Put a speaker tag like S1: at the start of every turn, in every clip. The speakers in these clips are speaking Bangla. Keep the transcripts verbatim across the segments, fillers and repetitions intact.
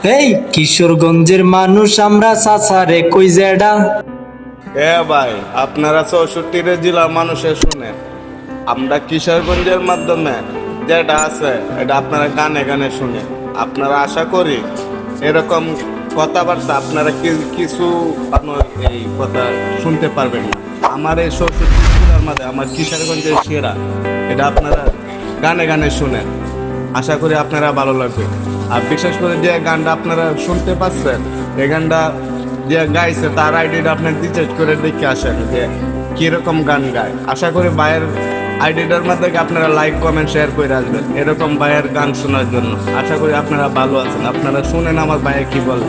S1: এই কিশোরগঞ্জের মানুষ আমরা চাচারে কই জেডা।
S2: এ ভাই, আপনারা চৌষট্টির জেলার মানুষের শুনেন, আমরা কিশোরগঞ্জের মাধ্যমে যেটা আছে এটা আপনারা গানে গানে শুনে। আপনারা আশা করি এরকম কথাবার্তা আপনারা কিছু আপনার এই কথা শুনতে পারবেন না। আমার এই চৌষট্টি জেলার মধ্যে আমার কিশোরগঞ্জের সেরা এটা আপনারা গানে গানে শুনেন। আশা করি আপনারা ভালো লাগবে। আর বিশেষ করে যে গানটা আপনারা শুনতে পাচ্ছেন এই গানটা যে গাইছে তার আইডিটা আপনার রিচার্জ করে দেখে আসেন যে কিরকম গান গায়। আশা করি ভাইয়ের আইডিটার মধ্যে আপনারা লাইক কমেন্ট শেয়ার করে আসবেন এরকম ভাইয়ের গান শোনার জন্য। আশা করি আপনারা ভালো আছেন। আপনারা শুনেন আমার ভাইয়ে কি বলে।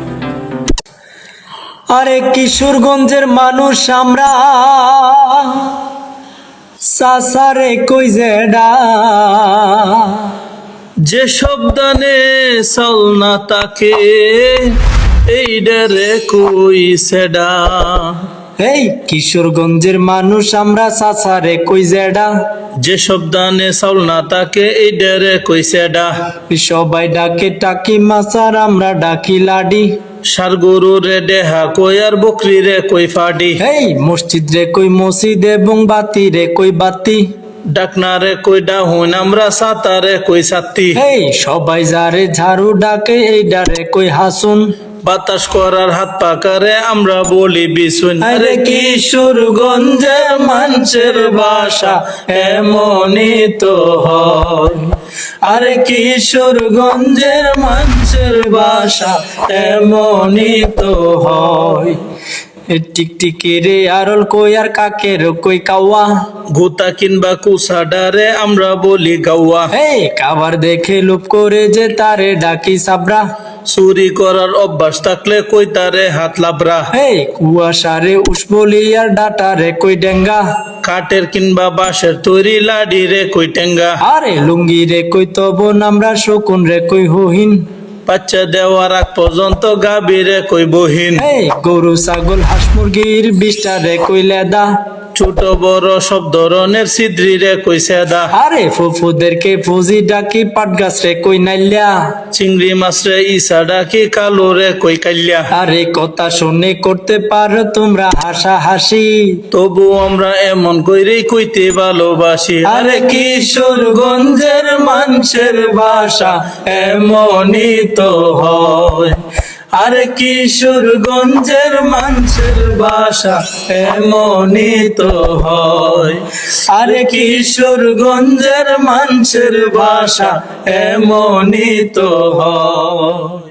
S1: আরে কিশোরগঞ্জের মানুষ আমরা চাচারে কই জেডা।
S3: যে শব্দানে চল না তাকে এই ডেরে কই সেডা।
S1: এই কিশোরগঞ্জের মানুষ আমরা চাচারে কই জেডা।
S3: যে শব্দানে চল না তাকে এই ডেরে কই সেডা।
S1: সবাই ডাকে টাকি মাচার আমরা ডাকি লাডি।
S3: সার গরু রে দেহা কই আর বকরি রে কই ফাডি।
S1: এই মসজিদ রে কই মসজিদ এবং বাতি রে কই বাতি।
S3: ডাকনা রে কই ডাহুন আমরা সাতারে কই সাত্তি।
S1: এই সবাই যারে ঝাড়ু ডাকে এই ডারে কই হাসুন।
S3: বাতাস করার হাত পাকারে আমরা বলি বিশুন।
S1: আরে কিশোরগঞ্জের মানুষের ভাষা এমনই তো হয়। আরে কিশোরগঞ্জের মানুষের ভাষা এমনই তো হয়। টিকটিকি রে আরল কই আর কাকের কই কাওয়া।
S3: গুতা কিংবা কুসাডারে আমরা বলি গাওয়া।
S1: এই কাবার দেখে লুপ করে যে তারে ডাকি সাবরা।
S3: চুরি করার অভ্যাস থাকলে কই তারে হাত লাবরা।
S1: এই কুয়াশারে উসবলি আর ডাটারে কই ডেঙ্গা।
S3: কাঠের কিংবা বাঁশের তৈরি লাডি রে কই টেঙ্গা।
S1: আরে লুঙ্গি রে কই তবন আমরা শকুন রে কই হহিন।
S3: বাচ্চা দেওয়ার আগ পর্যন্ত গাবি রে কই বহিন।
S1: এই গরু ছাগল হাঁস মুরগির বিষ্টা রে কই লেদা।
S3: ছোট বড় সব ধরনের সিদ্রি রে কই সেদা।
S1: আরে ফুফুদেরকে ফুজি ডাকি পাট গাছ রে কই নাইল্যা।
S3: চিংড়ি মাছ রে ইসা ডাকি কালো রে কই কাল্যা।
S1: আরে কথা শুনে করতে পারো তোমরা হাসা হাসি।
S3: তবু আমরা এমন কইরে কইতে ভালোবাসি।
S1: আরে কিশোরগঞ্জের মানুষের ভাষা এমনই তো হয়। আরে কিশোরগঞ্জের মানুষের ভাষা এমনই তো হয়। আরে কিশোরগঞ্জের মানুষের ভাষা এমনই তো হয়।